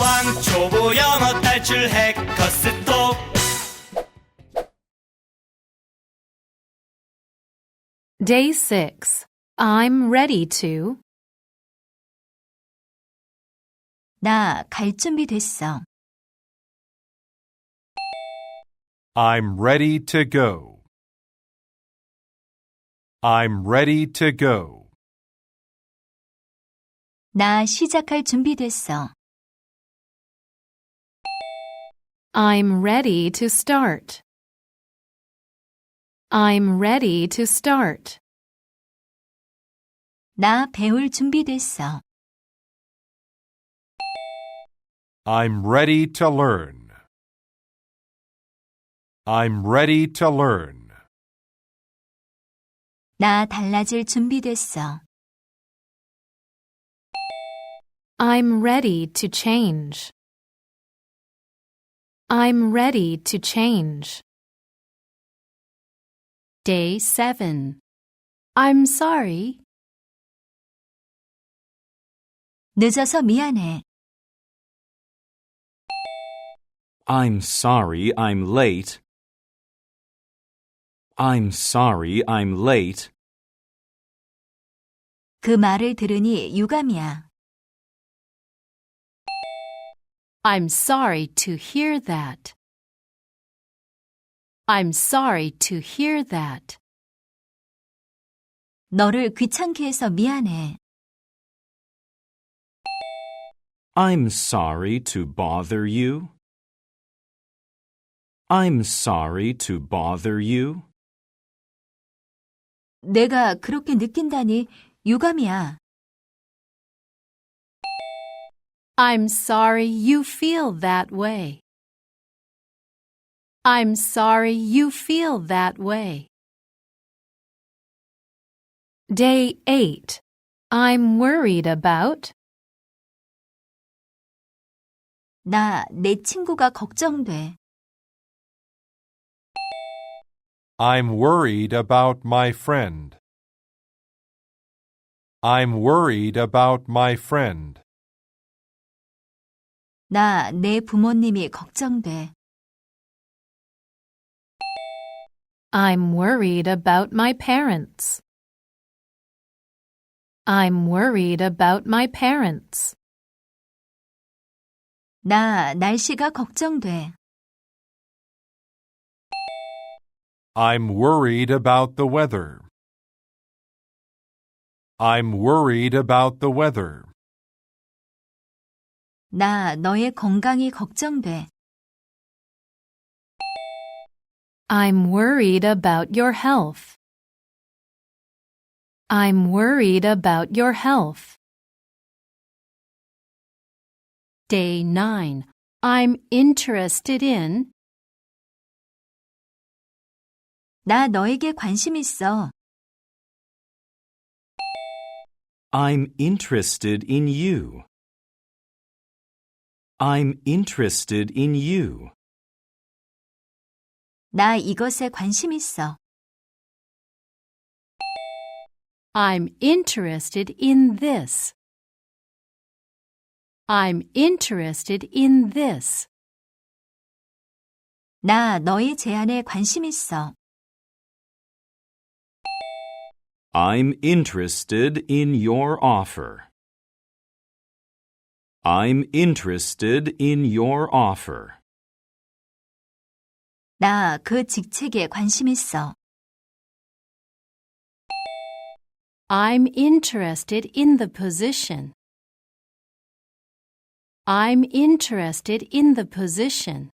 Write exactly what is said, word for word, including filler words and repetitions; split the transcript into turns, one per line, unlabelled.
왕초보 영어 탈출 해커스톡.
Day six. I'm ready to.
나 갈 준비 됐어.
I'm ready to go. I'm ready to go.
나 시작할 준비 됐어.
I'm ready to start. I'm ready to start.
나 배울 준비 됐어.
I'm ready to learn. I'm ready to learn.
나 달라질 준비 됐어.
I'm ready to change. I'm ready to change. Day seven. I'm sorry.
늦어서 미안해.
I'm sorry I'm late. I'm sorry I'm late.
그 말을 들으니 유감이야.
I'm sorry to hear that. I'm sorry to hear that.
너를 귀찮게 해서 미안해.
I'm sorry to bother you. I'm sorry to bother you.
내가 그렇게 느낀다니 유감이야.
I'm sorry you feel that way. I'm sorry you feel that way. Day eight. I'm worried about.
나 내 친구가 걱정돼.
I'm worried about my friend. I'm worried about my friend.
나 내 부모님이 걱정돼.
I'm worried about my parents. I'm worried about my parents.
나 날씨가 걱정돼.
I'm worried about the weather. I'm worried about the weather.
나 너의 건강이 걱정돼.
I'm worried about your health. I'm worried about your health. Day nine. I'm interested in.
나 너에게 관심 있어.
I'm interested in you. I'm interested in you.
나 이것에 관심 있어.
I'm interested in this. I'm interested in this.
나 너의 제안에 관심 있어.
I'm interested in your offer. I'm interested in your offer.
나 그 직책에 관심 있어.
I'm interested in the position. I'm interested in the position.